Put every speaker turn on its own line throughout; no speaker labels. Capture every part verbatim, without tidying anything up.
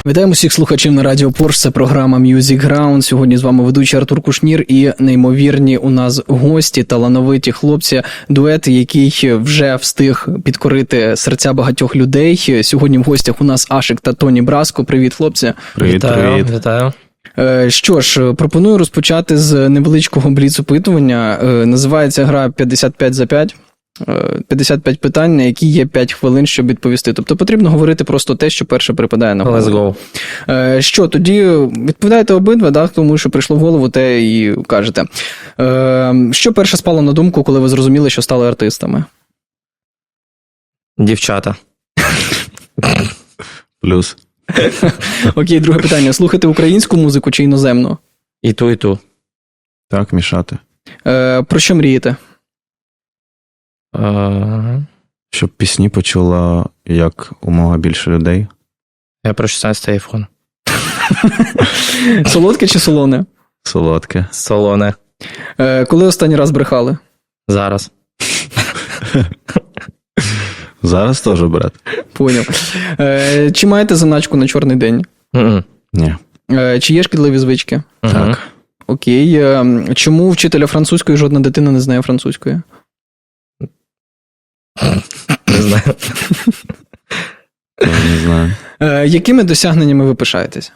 Вітаємо всіх слухачів на Радіо Порш, це програма Music Ground. Сьогодні з вами ведучий Артур Кушнір і неймовірні у нас гості, талановиті хлопці, дует, який вже встиг підкорити серця багатьох людей. Сьогодні в гостях у нас Ашик та Тоні Браско. Привіт, хлопці.
Привіт,
Вітаю,
привіт.
Вітаю.
Що ж, пропоную розпочати з невеличкого бліц-опитування. Називається гра п'ятдесят п'ять за п'ять. п'ятдесят п'ять питань, на які є п'ять хвилин, щоб відповісти. Тобто потрібно говорити просто те, що перше припадає на голову.
Let's go.
Що, тоді відповідаєте обидва, да, тому що прийшло в голову, те і кажете. Що перше спало на думку, коли ви зрозуміли, що стали артистами?
Дівчата.
Плюс.
Окей, друге питання. Слухати українську музику чи іноземну?
І ту, і ту.
Так, мішати.
Про що мрієте?
Uh,
Щоб пісні почула як умога більше людей.
я про шістнадцятий айфон.
Солодке чи солоне?
Солодке.
Солоне.
Коли останній раз брехали?
Зараз.
Зараз теж, брат.
Поняв. Чи маєте заначку на чорний день?
Mm-mm.
Ні.
Чи є шкідливі звички?
Uh-huh.
Так.
Окей. Чому вчителя французької жодна дитина не знає французької?
Не знаю.
Я не знаю.
Якими досягненнями ви пишаєтесь?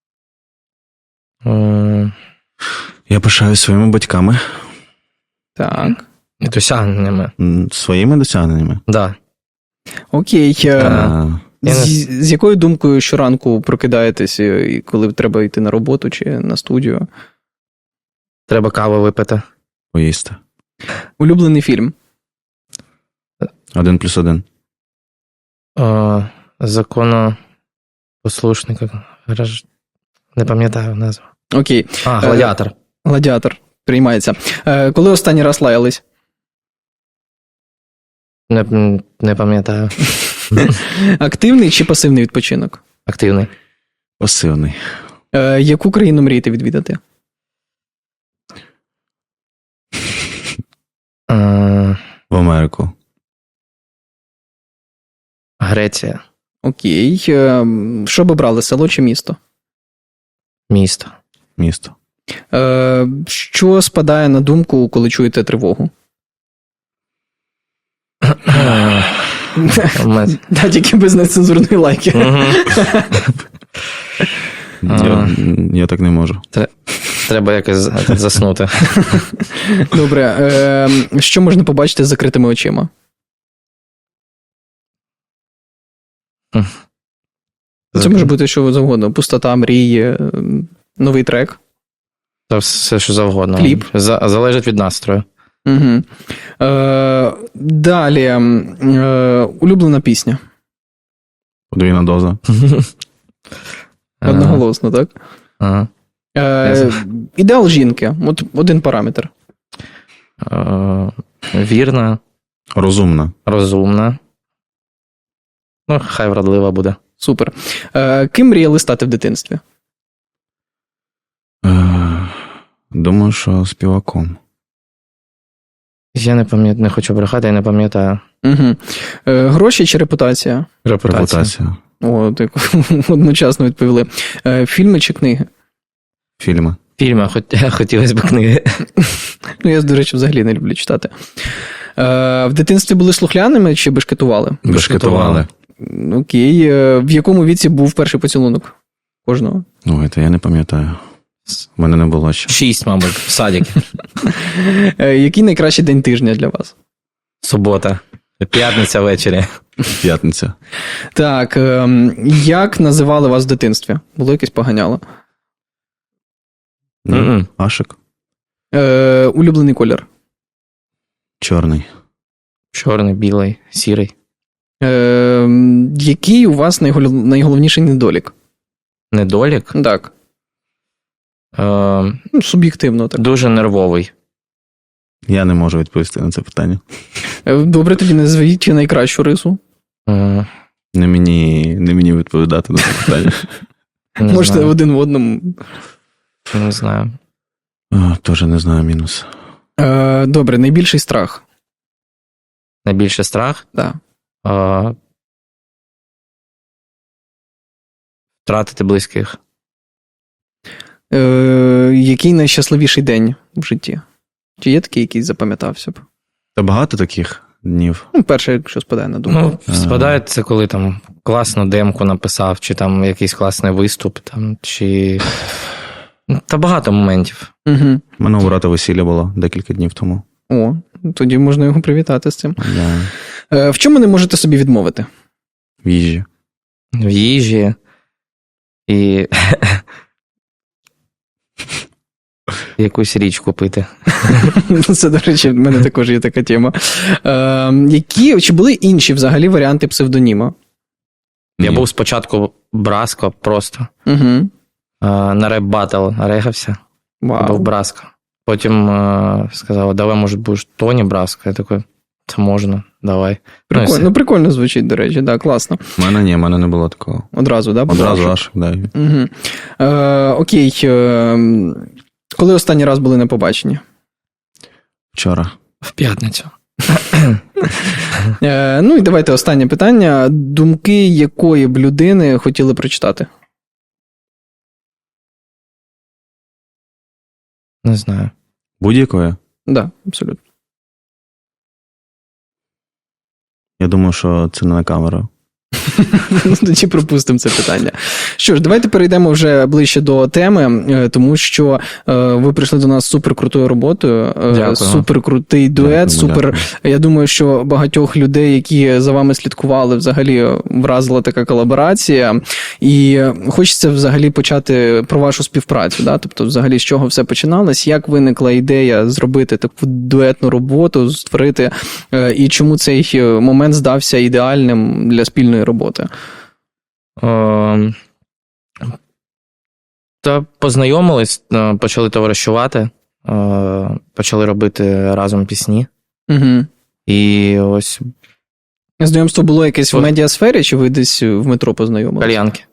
Uh,
Я пишаю своїми батьками.
Так.
і досягненнями.
М, Своїми досягненнями.
Да.
Окей.
А,
З, з якою думкою щоранку прокидаєтесь, і коли треба йти на роботу чи на студію?
Треба каву випити.
Поїсти.
Улюблений фільм?
Один плюс один.
Uh, законопослушника. Граж- Не пам'ятаю назву.
Окей.
А, гладіатор.
Гладіатор. Приймається. Коли останній раз лаялись?
Не, не пам'ятаю.
Активний чи пасивний відпочинок?
Активний.
Пасивний.
Яку країну мрієте відвідати?
Uh,
В Америку.
Греція.
Окей. Що б обрали, село чи місто?
Місто.
Місто.
Що спадає на думку, коли чуєте тривогу?
Мет.
Да, тільки без нецензурної лайки.
Я, я так не можу.
Треба якось заснути.
Добре. Що можна побачити з закритими очима? Це може бути що завгодно. Пустота, мрії, новий трек.
Та все, що завгодно.
Кліп.
За, залежить від настрою.
Угу. Е, далі. Е, улюблена пісня.
Подвійна доза.
Одноголосно, так?
Ага.
Е, ідеал жінки. От один параметр.
Е, вірна,
Розумна.
розумна. Ну, хай вродлива буде.
Супер. Е, ким мріяли стати в дитинстві?
Е, Думаю, що співаком.
Я не пам'ятаю, не хочу брехати, я не пам'ятаю.
Угу. Е, гроші чи репутація?
Репутація.
О, так одночасно відповіли. Е, фільми чи книги?
Фільми.
Фільми, хоч, хотілося б книги.
Ну, я, до речі, взагалі не люблю читати. Е, в дитинстві були слухляними чи бешкетували?
Бешкетували.
Окей. Е, в якому віці був перший поцілунок кожного?
Ой, це я не пам'ятаю. У мене не було ще.
Шість, мабуть, в садик.
Е, який найкращий день тижня для вас?
Субота. П'ятниця ввечері.
П'ятниця.
Так, е, як називали вас в дитинстві? Було якесь поганяло?
Мгм.
Ашик.
Е, улюблений колір?
Чорний.
Чорний, білий, сірий.
Е, який у вас найголов... найголовніший недолік?
Недолік.
Так.
Е,
Ну, суб'єктивно так.
дуже нервовий.
Я не можу відповісти на це питання.
Е, добре, тоді назвіть найкращу рису.
Е,
Не мені, не мені відповідати на це питання.
не
Можете
знаю.
один в одному.
Не знаю.
О, теж не знаю мінус.
Е, добре, найбільший страх.
Найбільший страх?
Да.
Е, втратити близьких.
Е, який найщасливіший день в житті? Чи є такий, який запам'ятався б?
Та багато таких днів.
Ну, перше, якщо спадає на думку.
Ну, спадає це, коли там класну демку написав, чи там якийсь класний виступ, там, чи... Ну, та багато моментів.
Угу.
У мене у брата весілля було декілька днів тому.
О, тоді можна його привітати з цим.
Да.
Е, в чому не можете собі відмовити?
В їжі.
В їжі. І якусь річ купити.
Це, до речі, в мене також є така тема. Е, які, чи були інші взагалі варіанти псевдоніма?
Я
Ні.
був спочатку Браско просто.
Угу.
Е, На реп-баттл регався.
Вау.
Був Браско. Потім е, сказали, давай, може, будеш Тоні Браско. Я такий, це можна, давай.
Прикольно,
Ну, і
ну,
все.
прикольно звучить, до речі, да, класно.
У мене ні, в мене не було такого.
Одразу, да?
Одразу аж, да.
Угу. Е, окей. Е, коли останній раз були на побаченні?
Вчора.
В п'ятницю.
Е, ну і давайте останнє питання. Думки якої б людини хотіли прочитати?
Не знаю.
Будь-якої?
Так, да, абсолютно.
Я думаю, що це не на камеру.
Ну, тоді пропустимо це питання. Що ж, давайте перейдемо вже ближче до теми, е, тому що е, ви прийшли до нас з суперкрутою роботою, е,
Дякую.
суперкрутий дует,
Дякую,
супер.
дякую.
Я думаю, що багатьох людей, які за вами слідкували, взагалі вразила така колаборація. І хочеться взагалі почати про вашу співпрацю, да? Тобто, взагалі, з чого все починалось, як виникла ідея зробити таку дуетну роботу, створити, е, і чому цей момент здався ідеальним для спільної роботи?
Е, Та познайомились, е, почали товаришувати, е, почали робити разом пісні.
Угу.
І ось
Знайомство було якесь в
От.
медіасфері, чи ви десь в метро познайомилися?
кальянки.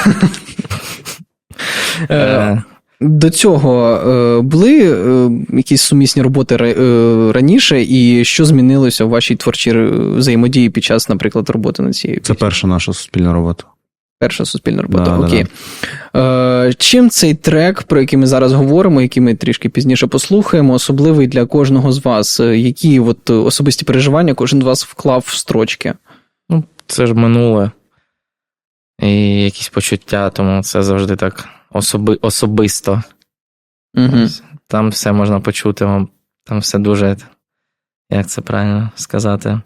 Е,
Е,
До цього е, були е, якісь сумісні роботи ра- е, раніше, і що змінилося в вашій творчій е, взаємодії під час, наприклад, роботи над цією
Це
піснею?
перша наша суспільна робота.
Перша суспільна робота,
Да, да,
окей. Е, чим цей трек, про який ми зараз говоримо, який ми трішки пізніше послухаємо, особливий для кожного з вас? Е, Які от особисті переживання кожен з вас вклав в строчки?
Ну, це ж минуле. І якісь почуття, тому це завжди так особи, особисто.
Угу.
Ось. Там все можна почути, вам- там все дуже, як це правильно сказати.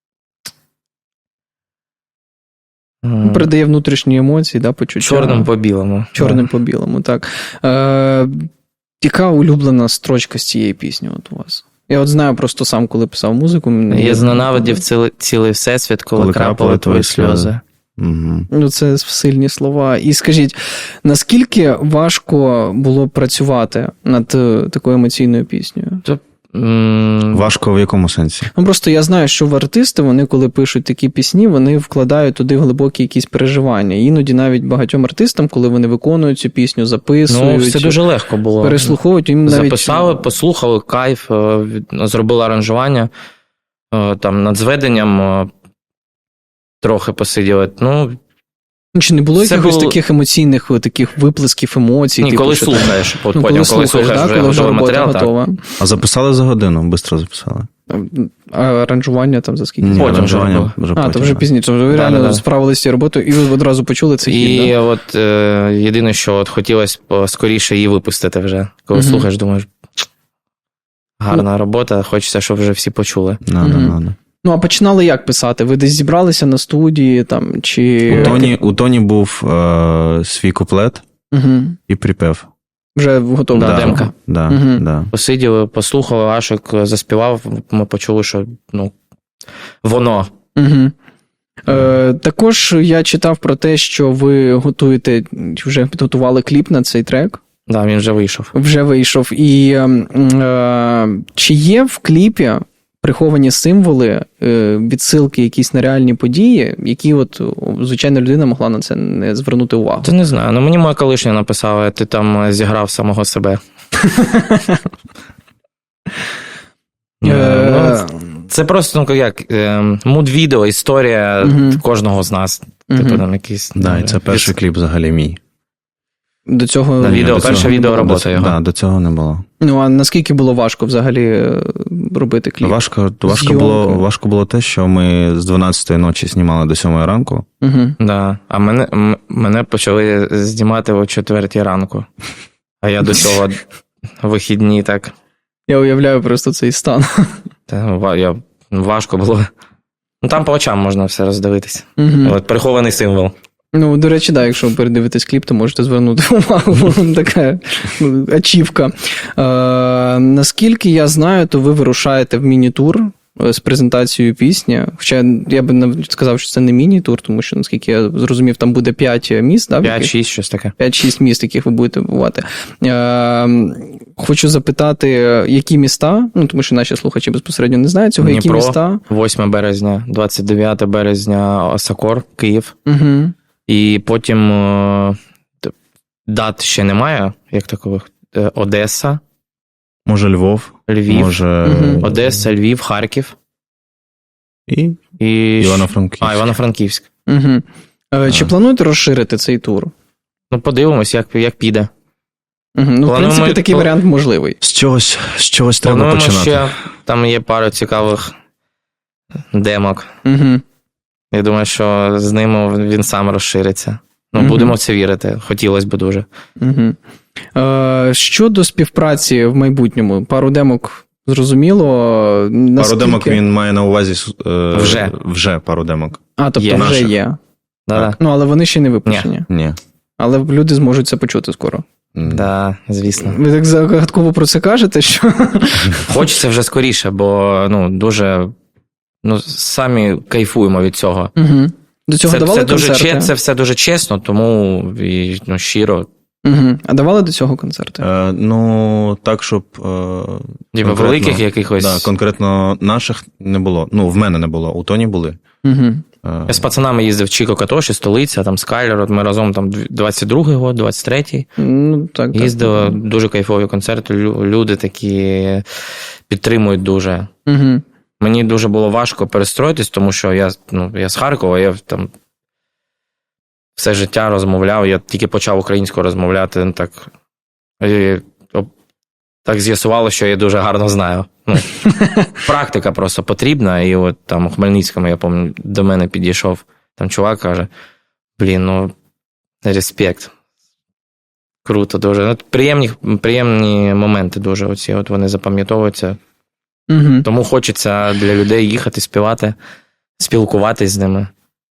М,
Передає внутрішні емоції, да, почуття.
Чорним по білому.
Чорним
Да.
по білому, так. Е, яка улюблена строчка з цієї пісні от у вас? Я от знаю просто сам, коли писав музику. мені-
Я зненавидів цілий, цілий всесвіт, коли,
Коли
крапали
крапали
твої
твої
сльози.
сльози. Угу.
Ну, це сильні слова. І скажіть, наскільки важко було працювати над е, такою емоційною піснею?
М,
Важко в якому сенсі?
Ну, просто я знаю, що в артисти, вони, коли пишуть такі пісні, вони вкладають туди глибокі якісь переживання. І іноді навіть багатьом артистам, коли вони виконують цю пісню,
Ну,
записують,
все дуже легко було.
переслуховують, їм навіть...
Записали, послухали, кайф, е, від- зробили аранжування, е, там над зведенням е, трохи посиділи. Ну,
Чи не було
Це
якихось
було-
таких емоційних о, таких виплесків емоцій?
ні,
типу,
коли
що там-
слухаєш, от
Ну,
потім,
коли
коли
слухаєш,
слухаєш
да,
вже
коли вже
готовий
робота
матеріал, так.
готова.
А записали за годину, швидко записали.
А аранжування там за скільки?
Ні,
Потім вже
аранжування
було.
вже
А, то
потім,
вже
да.
пізніше. Ви
Да,
реально
да, да.
справилися з цією роботою, і ви одразу почули цей хід,
І
да?
от е, єдине, що от хотілося б скоріше її випустити вже. Коли
Мгм.
слухаєш, думаєш, гарна робота, хочеться, щоб вже всі почули.
Надо,
Мгм.
надо.
Ну, а починали як писати? Ви десь зібралися на студії, там, чи...
У Тоні, у Тоні був е, свій куплет
Угу.
і припев.
Вже готово.
Да, демка.
Да,
Мгм.
да.
Посиділи, послухали, Ашик заспівав, ми почули, що ну, воно.
Угу. Е, також я читав про те, що ви готуєте, вже підготували кліп на цей трек.
Да, він вже вийшов.
Вже вийшов. І ем, е, чи є в кліпі приховані символи, е, відсилки якісь на реальні події, які от о, звичайна людина могла на це не звернути увагу?
Та не знаю, ну мені моя колишня написала, ти там е, зіграв самого себе.
Е,
Е, ну, Це просто, ну як, е, муд-відео, історія
Мгм.
кожного з нас. Типу
Мгм.
там якийсь...
Да, і
ну,
це перший
від-
кліп взагалі мій.
До цього
На відео,
До
перша
цього-
відеоробота
до,
його.
Да, до цього не було.
Ну, а наскільки було важко взагалі е, робити кліп?
Важко, важко,
Зйомка.
було, важко було те, що ми з дванадцятої ночі знімали до сьомої ранку.
Угу.
Да. А мене, м- мене почали знімати о четвертій ранку. А я до цього вихідні так.
Я уявляю просто цей стан.
Та, ва- я, важко було. Ну там по очам можна все роздивитися.
Угу.
От прихований символ.
Ну, до речі, да, якщо ви передивитесь кліп, то можете звернути увагу. Така ну, ачівка. Е, наскільки я знаю, то ви вирушаєте в міні-тур е, з презентацією пісні. Хоча я би навіть сказав, що це не міні-тур, тому що, наскільки я зрозумів, там буде п'ять міст, да, в яких-
п'ять-шість, щось таке.
п'ять-шість міст, яких ви будете бувати. Е, хочу запитати, які міста, ну, тому що наші слухачі безпосередньо не знають цього, які
Дніпро.
міста.
восьме березня, двадцять дев'яте березня Осакор, Київ.
Угу.
І потім е, т- дат ще немає, як такових. Е, Одеса,
Може, Львов,
Львів,
може
Мгм.
Одеса, Львів, Харків
і
і
Івано-Франківськ.
а, Івано-Франківськ.
Угу. Е, чи
А.
плануєте розширити цей тур?
Ну, подивимось, як, як піде.
Угу. Ну, в
Плануємо
принципі,
ми-
такий
пл-
варіант можливий.
З чогось, з чогось треба
Плануємо
починати.
ще, там є пару цікавих демок.
Угу.
Я думаю, що з ними він сам розшириться. Ну,
Мгм.
будемо в це вірити. Хотілося б дуже.
Угу. Е, щодо співпраці в майбутньому, пару демок зрозуміло.
Пару
Наскільки...
демок він має на увазі е,
Вже.
вже пару демок.
А, тобто
є.
вже
Наших.
є.
Да-да.
Ну, але вони ще не випущені.
Ні.
Але люди зможуть це почути скоро.
М.
Да, звісно.
Ви так загадково про це кажете, що.
Хочеться вже скоріше, бо ну, дуже ну, самі кайфуємо від цього.
Угу. До цього
Це,
давали
це, дуже,
концерти?
че- це все дуже чесно, тому і, ну, щиро.
Угу. А давали до цього концерти?
Е, ну, так, щоб. Е,
Типу,
конкретно-
великих якихось.
Да, конкретно наших не було. Ну, в мене не було, у Тоні були.
Угу.
Е,
Я з пацанами їздив в Чіко Катоші, столиця, там Скайлер, от ми разом там двадцять другий год, двадцять третій.
Ну, так, так.
Їздили, дуже кайфові концерти, лю- люди такі підтримують дуже.
Угу.
Мені дуже було важко перестроїтись, тому що я, ну, я з Харкова, я там все життя розмовляв, я тільки почав українською розмовляти, ну, так, і, о, так з'ясувало, що я дуже гарно знаю. Ну, практика просто потрібна, і от там у Хмельницькому, я пам'ятаю, до мене підійшов там чувак, каже, блін, ну, респект. Круто дуже. Ну, приємні, приємні моменти дуже оці, от вони запам'ятовуються.
Угу.
Тому хочеться для людей їхати, співати, спілкуватись з ними.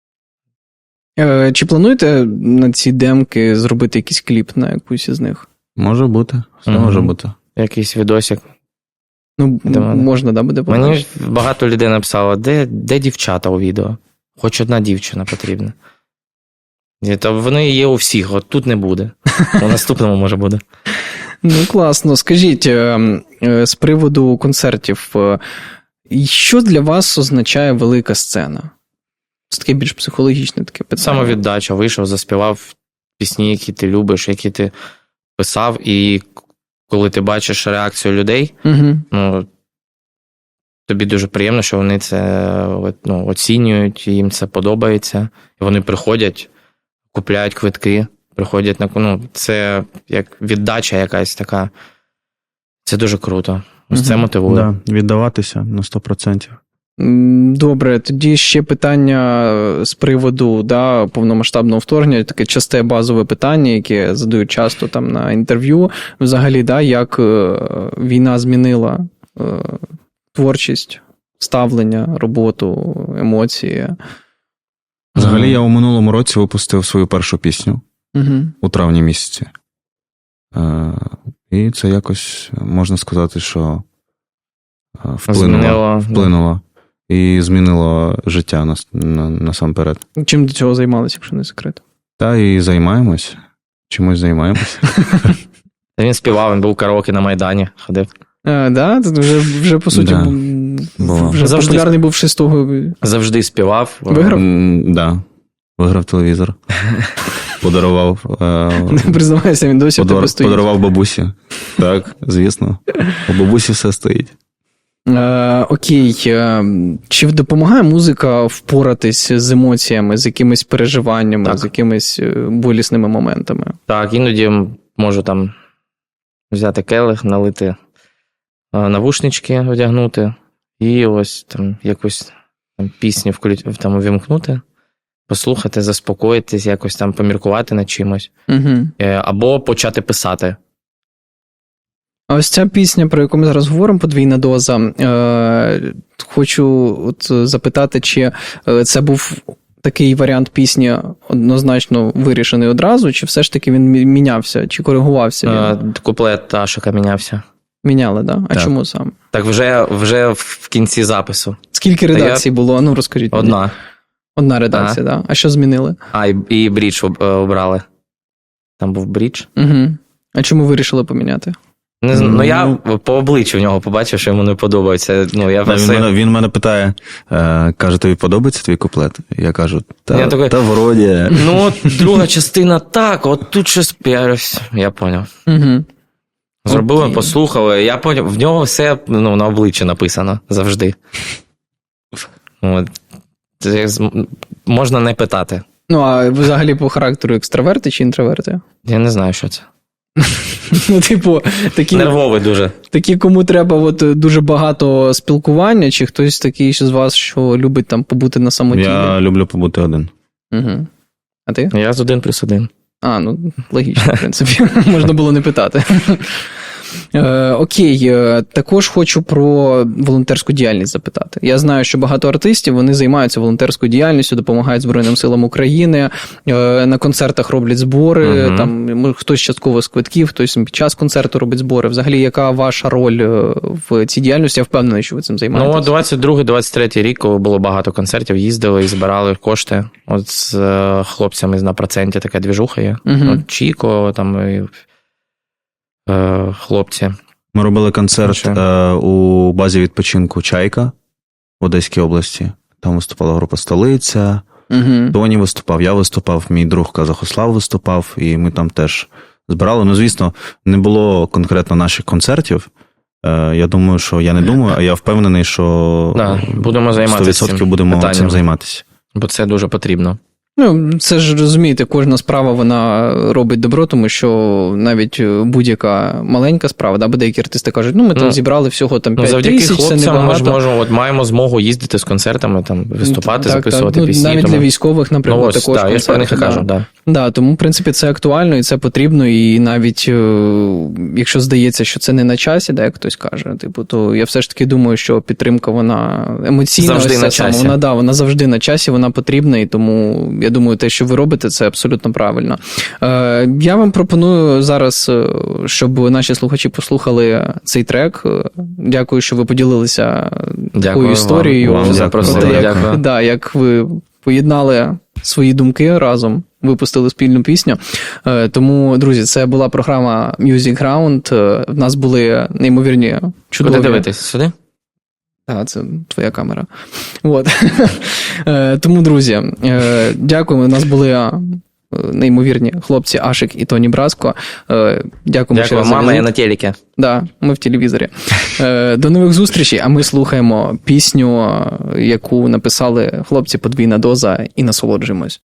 Е, чи плануєте на ці демки зробити якийсь кліп на якусь із них?
Може бути, все
Мгм.
може бути.
Якийсь відосик.
Ну,
До мене.
можна, да, буде
Мені
побачити?
багато людей написало, де, де дівчата у відео? Хоч одна дівчина потрібна. І то вони є у всіх, от тут не буде. У наступному може буде.
Ну, класно. Скажіть, е, е, з приводу концертів, е, що для вас означає велика сцена? Це таке більш психологічне таке питання.
Самовіддача, вийшов, заспівав пісні, які ти любиш, які ти писав, і коли ти бачиш реакцію людей,
Угу.
ну, тобі дуже приємно, що вони це от, ну, оцінюють, їм це подобається, і вони приходять, купляють квитки, приходять на ну, це як віддача якась така. Це дуже круто. Ось це
Мгм.
мотивує.
Да, віддаватися на сто процентів.
М, Добре, тоді ще питання з приводу да, повномасштабного вторгнення, таке часте базове питання, яке задають часто там на інтерв'ю. Взагалі, да, як е, війна змінила е, творчість, ставлення, роботу, емоції.
Взагалі, я у минулому році випустив свою першу пісню
Угу.
у травні місяці. Е, і це якось можна сказати, що е, вплинуло.
Змінило,
вплинуло і змінило життя нас, на, насамперед.
Чим до цього займалися, якщо не секрет?
Та і займаємось. Чимось займаємось.
Та він співав, він був караоке на Майдані, ходив.
А, да? Це вже, вже по суті,
Да.
бу-
Було.
вже
Завжди.
популярний був ще з того.
Завжди співав.
Виграв?
М, Да. Виграв телевізор. Подарував. е,
Не признавайся, він досі в тебе
подар-
стоїть.
Подарував бабусі. Так, звісно. У бабусі все стоїть.
Е, окей, е, чи допомагає музика впоратись з емоціями, з якимись переживаннями,
Так.
з якимись е, болісними моментами?
Так, іноді можу там взяти келих, налити е, навушнички, одягнути, і ось там якусь там, пісню вклю... там, увімкнути, послухати, заспокоїтись, якось там поміркувати над чимось.
Угу.
Е, Або почати писати.
А ось ця пісня, про яку ми зараз говоримо, подвійна доза, е, хочу от запитати, чи е, це був такий варіант пісні однозначно вирішений одразу, чи все ж таки він мі- мінявся, чи коригувався він?
Е, Куплет Ашика мінявся.
Міняли, да? А
Так.
чому саме?
Так вже, вже в кінці запису.
Скільки
Та я-
редакцій було? Ну, розкажіть. мені.
Одна.
Одна редакція, так. Да? А що змінили?
А, і, і брідж об- е, обрали. Там був брідж.
Угу. А чому вирішили поміняти?
Не знаю, ну я
Ну.
по обличчю в нього побачив, що йому не подобається. Ну, я
Та, він,
все...
мене, він мене питає, е, каже, тобі подобається твій куплет? Я кажу, та,
Я такий,
та вроді.
Ну, от друга частина так, от тут щось. Я, я поняв.
Угу.
Зробили,
Окей.
послухали. Я поняв, в нього все ну, на обличчі написано завжди. От. Це з- можна не питати.
Ну, а взагалі по характеру екстраверти чи інтроверти?
Я не знаю, що це.
Ну, типу, такі,
Нервовий дуже.
такі, кому треба от, дуже багато спілкування, чи хтось такий з вас, що любить там побути на самоті?
Я люблю побути один.
Угу. А ти?
Я з один плюс один.
А, ну, логічно, в принципі. Можна було не питати. Е, окей, е, також хочу про волонтерську діяльність запитати. Я знаю, що багато артистів, вони займаються волонтерською діяльністю, допомагають Збройним силам України, е, на концертах роблять збори,
Мгм.
там м, хтось частково з квитків, хтось під час концерту робить збори. Взагалі, яка ваша роль е, в цій діяльності? Я впевнений, що ви цим
Ну,
займаєтесь.
двадцять другий двадцять третій рік, коли було багато концертів, їздили і збирали кошти. От з е, хлопцями на проценті така двіжуха є.
Мгм.
От Чіко, там і, е, хлопці.
Ми робили концерт
Що?
е, у базі відпочинку Чайка в Одеській області. Там виступала група Столиця,
Угу.
Тоні виступав, я виступав, мій друг Казахослав виступав, і ми там теж збирали. Ну, звісно, не було конкретно наших концертів. Е, Я думаю, що я не думаю, а я впевнений, що
Да, будемо займатися
сто відсотків
цим
будемо
питанням.
цим займатися.
Бо це дуже потрібно.
Ну, це ж розумієте, кожна справа вона робить добро, тому що навіть будь-яка маленька справа, да, бо деякі артисти кажуть, ну ми там
Ну,
зібрали всього там
Ну,
п'ять
завдяки
тисяч, це
хлопцям ми
небагато.
ж можемо, от маємо змогу їздити з концертами, там, виступати,
Так,
записувати
так. Ну,
пісні.
навіть
тому...
для військових, наприклад,
ну, ось,
також
так, я про них і
концерти,
кажу,
да.
да.
Да, тому, в принципі, це актуально і це потрібно, і навіть е, якщо здається, що це не на часі, да, як хтось каже, типу, то я все ж таки думаю, що підтримка, вона емоційна,
Завжди
ось
на
ця сама,
часі.
вона, да, вона завжди на часі, вона потрібна, і тому я думаю, те, що ви робите, це абсолютно правильно. Е, я вам пропоную зараз, е, щоб наші слухачі послухали цей трек. Е, Дякую, що ви поділилися
Дякую
такою
вам.
історією.
Вам
про те,
запросили,
як,
дякую.
да, як ви поєднали свої думки разом, випустили спільну пісню. Е, Тому, друзі, це була програма Music Ground. Е, В нас були неймовірні чудові...
Куди дивитись? Сюди?
Так, це твоя камера. От. Е, Тому, друзі, е, дякуємо. У нас були е, неймовірні хлопці Ашик і Тоні Браско. Е, Дякуємо ще
Дякую,
раз за
мама, я
візит.
на телекі.
Да, ми в телевізорі. Е, До нових зустрічей, а ми слухаємо пісню, яку написали хлопці «Подвійна доза» і насолоджуємось.